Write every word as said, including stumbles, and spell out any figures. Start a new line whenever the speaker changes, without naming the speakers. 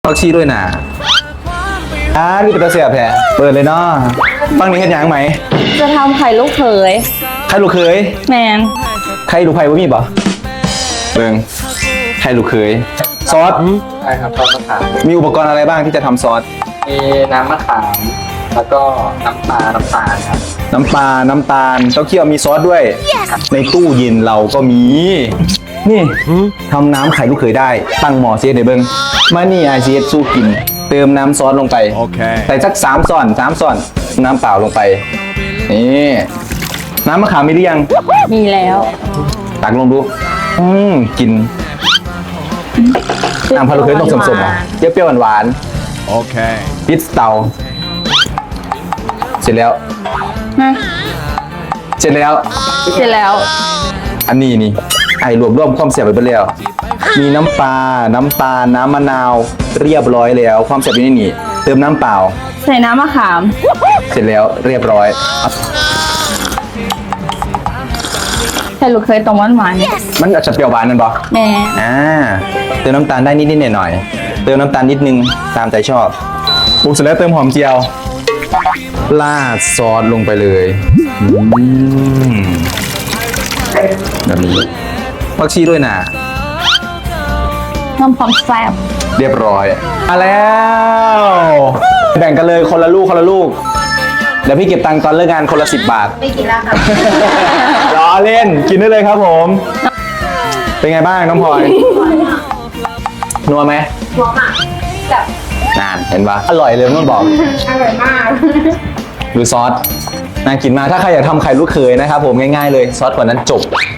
ผักชีด้วยนะอ่านี่เป็นตัวเสียบแผลเปิดเลยเนาะฟังนี้เห็นยังไหม
จะทำไข่ลูกเขย
ใครลูกเคย
แมน
ใครลูกไผ่บ่มีบ่เบิ่งใครลูกเคยซอส
ใช่ครับซอสมะขาม
มีอุปกรณ์อะไรบ้างที่จะทำซอส
มีน้ำมะขามแล้วก็น้ำปลาน้ำตาลครับ
น้ำปลา น้ำตาลเต้าเคี่ยวมีซอสด้วย ในตู้เย็นเราก็มี นี่ทำน้ำไข่ลูกเขยได้ ตั้งหม้อเสียในเบิ้งมานี่ไอซีเอสสู้กิน เติมน้ำซอสลงไป
โอเค
ใส่สักสามส่อนสามส่อน น้ำเปล่าลงไป นี่ น้ำมะขามมีหรือยัง
มีแล้ว
ตักลงดู อืมกิน น้ำพะโล้เคยต้องสมๆอ่ะเปรี้ยวๆหวาน
Okay.
ๆปิดเตา เสร็จแล้ว
ฮะ
เสร็จแล้ว
เสร็จแล้ว
อันนี้นี่ไอ้รวบรวมความเสียบไปเปแล้ว มีน้ำปลา น้ำตาล น้ำมะนาว เรียบร้อยแล้ว ความเสียบอยู่ในนี่ เติมน้ำเปล่า
ใส่น้ำมะขาม
เสร็จแล้วเรียบร้อย
ไข่ลูกเขยตรงหวานหวาน
มันอาจจะเปรี้ยวหวานนั่นปะ
แม่
อ่า เติมน้ำตาลได้นิดๆหน่อยๆเติมน้ำตาลนิดนึงตามใจชอบปรุงเสร็จแล้วเติมหอมเจียวราดซอสลงไปเลยอืมแบบนี้ผักชีด้วยนะ
น้ำความแซ่บ
เรียบร้อยมาแล้ว แบ่งกันเลยคนละลูกคนละลูก เดี๋ยวพี่เก็บตังค์ตอนเลิกงานคนละสิบบาท
ไม่กินแล้วค่ะ
ล้อเล่นกินได้เลยครับผม เป็นไงบ้างน้องพลอยนัวไหม
หอมอ่ะแบบ
นานเห็นปะอร่อยเลยมันบอก
อร่อยมาก
ดูซอสน่ากินมากถ้าใครอยากทำไข่ลูกเขยนะครับผมง่ายๆเลยซอสกว่านั้นจบ